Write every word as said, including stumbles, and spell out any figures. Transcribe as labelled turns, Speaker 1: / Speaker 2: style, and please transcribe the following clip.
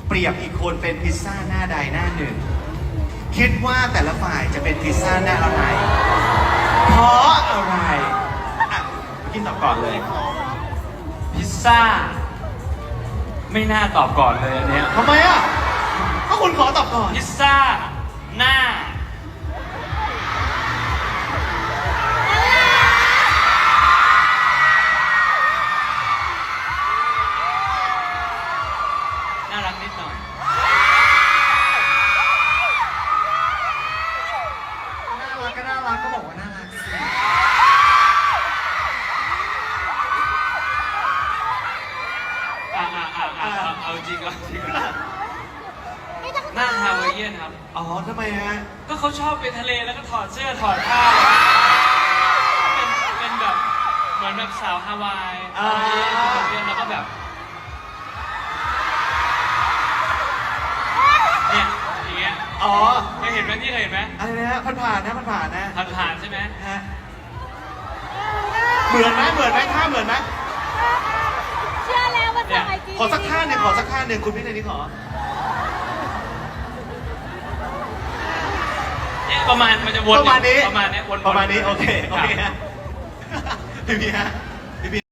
Speaker 1: เปรียบอีกคนเป็นพิซซ่าหน้าใดหน้าหนึ่งคิดว่าแต่ละฝ่ายจะเป็นพิซซ่าหน้าอะไรเพราะอะไรอ่ะกินตอบก่อนเลย
Speaker 2: พิซซ่า ไม่น่าตอบก่อนเลยอันเนี้ย
Speaker 1: ทำไมอ่ะก็คุณขอตอบก่อน
Speaker 2: พิซซ่า หน้า น่ารักนิดหน่อย
Speaker 1: น่ารักก็น่ารักก็บอกว่าน่ารักสิ
Speaker 2: อ่าอ่าอ่าอ่าเอาจริงเอาจริงหน้าฮาวายเอียนครับ
Speaker 1: อ๋อทำไมฮะ
Speaker 2: ก็เขาชอบไปทะเลแล้วก็ถอดเสื้อถอดผ้าเป็นเป็นแบบเหมือนแบบสาวฮาวาย
Speaker 1: อ่า
Speaker 2: เรียนแล้วก็แบบเนี่ยอย่างเงี้ย
Speaker 1: อ๋อ
Speaker 2: เคยเห็นไหมที่เคยเห็นไหม
Speaker 1: อะไรนะฮะผ่านผ่านๆนะผ่านผ่านๆนะ
Speaker 2: ผ่านผ่านๆใช่ไหม
Speaker 1: ฮะเหมือนไหมเหมือนไหมท่าเหมือนไหม
Speaker 3: เชื่อแล้วว่าส่งไอจี
Speaker 1: ขอสักท่าหนึ่งขอสักท่าหนึ่งคุณพี่ในนี้ขอ
Speaker 2: เนี่ยประมาณมันจะวน
Speaker 1: ประมาณนี้
Speaker 2: ประมาณเนี้ยวนๆ
Speaker 1: ประมาณนี้โอเคโอเค
Speaker 2: รับ
Speaker 1: ฮะพี่พี่ฮะ